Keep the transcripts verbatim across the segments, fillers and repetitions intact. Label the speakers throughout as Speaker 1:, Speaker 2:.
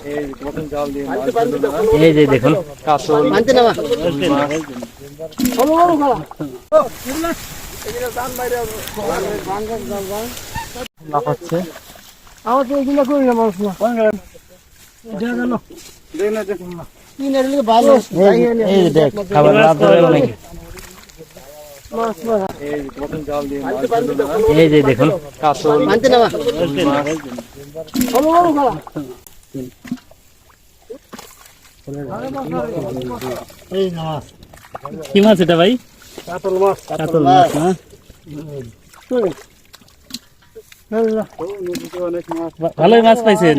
Speaker 1: এই যে দেখুন কাতল লাফাচ্ছে।
Speaker 2: আমার তো এগুলো করি না মানুষ না
Speaker 1: এই যে দেখ খাবার লাভ ধরে অনেক। এই যে দেখুন কাতল কি মাছ এটা ভাই?
Speaker 2: কাতল মাছ।
Speaker 1: কাতল মাছ না? ভালোই মাছ পাইছেন।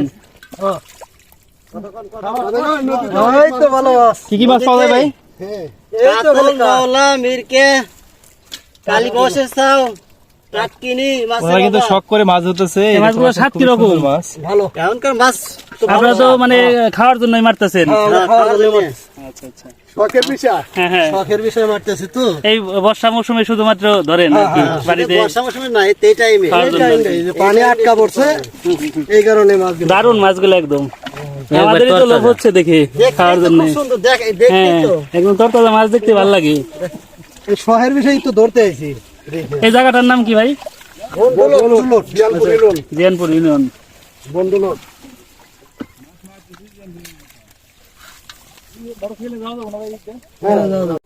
Speaker 1: কি কি মাছ পাওয়া যায় ভাই? কিন্তু শখ করে মাছ ধরতেছে। মাছগুলো স্বাদ কিরকম?
Speaker 2: ভালো।
Speaker 1: এখনকার মাছ আপনারা তো মানে খাওয়ার জন্যই মারতেছেন। আচ্ছা আচ্ছা,
Speaker 2: শখের বিষয়।
Speaker 1: হ্যাঁ হ্যাঁ,
Speaker 2: শখের বিষয় মারতেছি তো।
Speaker 1: এই বর্ষা মৌসুমে শুধুমাত্র ধরেন বাড়িতে?
Speaker 2: বর্ষা মৌসুমে না, এই টাইমে পানি আটকা পড়ছে, এই কারণে মাছ।
Speaker 1: দারুন মাছগুলো একদম, আমাদেরই তো লোভ হচ্ছে দেখে খাওয়ার জন্য। হ্যাঁ, একদম তরতাজা মাছ দেখতে ভালো লাগে।
Speaker 2: এই শখের বিষয় তো ধরতে আইছি।
Speaker 1: এই জায়গাটার নাম কি ভাই? জিয়ানপুর ইউনিয়ন।
Speaker 2: বন্ধুলোক।